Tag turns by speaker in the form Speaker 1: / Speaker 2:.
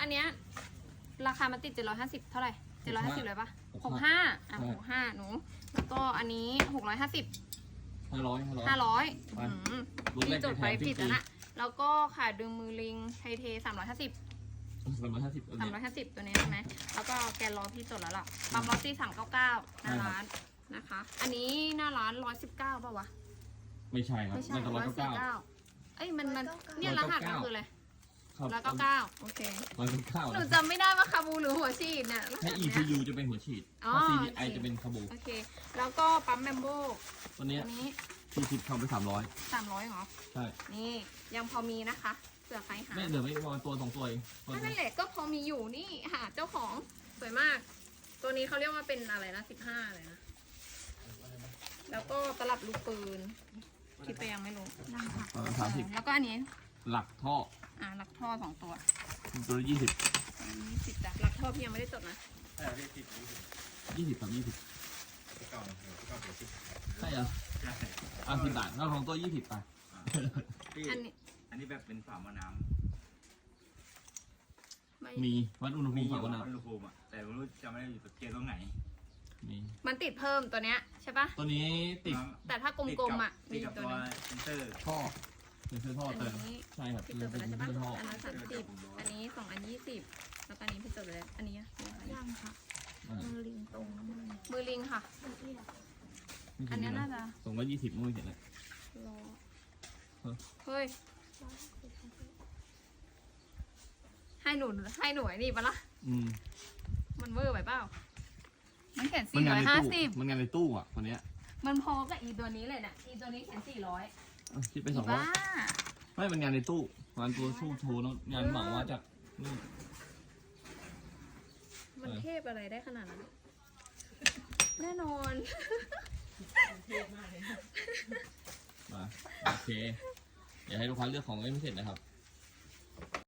Speaker 1: นเนี้ยราคามันติด750เท่าไหร่750เลยปะ6565หนูแล้วก็อันนี้650
Speaker 2: 500
Speaker 1: พี่จดไปผิดแล้วนะแล้วก็ขาดึงมือลิงไทเท350 ตัวนี้ใช่ไหมแล้วก็แกนล้อพี่จดแล้วล่ะปั๊มลอตตี้399หน้าร้านนะคะ อันนี้หน้าร้าน119ป่ะวะ
Speaker 2: ไม่ใช่ครับมันจะ199
Speaker 1: เอ้ยมันเนี่ยรหัสมันคืออะไร
Speaker 2: ครับ
Speaker 1: 199โอเค
Speaker 2: 199
Speaker 1: หนูจำไม่ได้ว่าคาบูหรือหัวฉีดเนี่ย
Speaker 2: ถ้า ECU จะเป็นหัวฉีดถ้า CDI จะเป็นคาบู
Speaker 1: โอเค แล้วก็ปั๊มแบมโบ
Speaker 2: ตัวนี้
Speaker 1: นี้
Speaker 2: ที่คิดเข้าไป300
Speaker 1: 300เหรอ
Speaker 2: ใช่
Speaker 1: นี่ยังพอมีนะคะเผื่อใครหา
Speaker 2: ไม่เหลือไม่ประมาณตัว2ตัวเอง
Speaker 1: นั่นแหละก็พอมีอยู่นี่หาเจ้าของสวยมาก ตัวนี้เขาเรียกว่าเป็นอะไรนะ15เลยนะแล้วก็ตลับลูกปืนคิดไปยังไม่รู้
Speaker 2: 30
Speaker 1: แล้วก็อันนี้
Speaker 2: หลักท่อ
Speaker 1: หลักท่อ2ตัว
Speaker 2: ตัวละ20
Speaker 1: 20จ้ะหลักท่อพี่ยังไม่ได้จดนะ
Speaker 2: 20ครับ20ใช่เหรอ10 บาทแล้วของตัว20ไป
Speaker 1: อันนี้
Speaker 3: แบบเป็นฝาหม้อน้
Speaker 1: ำ
Speaker 2: มีวัดอุณห
Speaker 3: ำ
Speaker 2: ภูมิ
Speaker 3: อยู่
Speaker 2: ก่อน
Speaker 3: วั
Speaker 2: นะ
Speaker 3: ดอุณหภูมิอ่ะแต่ไม่รู้จะไม่ได้อยู่ตรงไหน
Speaker 2: มี
Speaker 1: มันติดเพิ่มตัวเนี้ยใช่ปะ
Speaker 2: ตัวนี้ติด
Speaker 1: แต่ถ้ากลมๆอ่ะ
Speaker 3: ติ
Speaker 1: มี
Speaker 3: ดกับ
Speaker 1: ตั
Speaker 3: ตัว ว
Speaker 1: นึง
Speaker 3: เซนเตอร์
Speaker 2: ท่อเป็นเสื้อท่อ
Speaker 1: อัน
Speaker 2: เติม
Speaker 1: นี้
Speaker 2: ใช่ครับ
Speaker 1: พี่
Speaker 2: เป็
Speaker 1: จ
Speaker 2: น
Speaker 1: ดไป
Speaker 2: เสื้
Speaker 1: แล้วใช่ปะ
Speaker 2: อท่อ
Speaker 1: อันนั้น30อันนี้2อัน20แล้วก็อันนี้พี่จดไปแล้วอันนี้ยังค่ะมือลิงตรงมือลิงค่ะ อันนี้น่าจะ
Speaker 2: 220มั่งเห็นเลย
Speaker 1: รอเฮ้ยให้หนูไอ้นี่ปะล่ะมันเวอร์ไปเปล่ามันเขียน450
Speaker 2: มันงานในตู้อ่ะคนเนี้ย
Speaker 1: มันพอกับอีตัวนี้เลยเนี่ยอีตัวนี้เขียน400
Speaker 2: คิดไป
Speaker 1: บ้า
Speaker 2: 200ไม่มันงานในตู้งานตัวชูโชว์แล้วงานเหมามาจากนี่
Speaker 1: มันเทพอะไรได้ขนาดนั้นแน่นอน
Speaker 2: มาโอเคเดี๋ยวให้ลูกค้าเลือกของไม่เสร็จนะครับ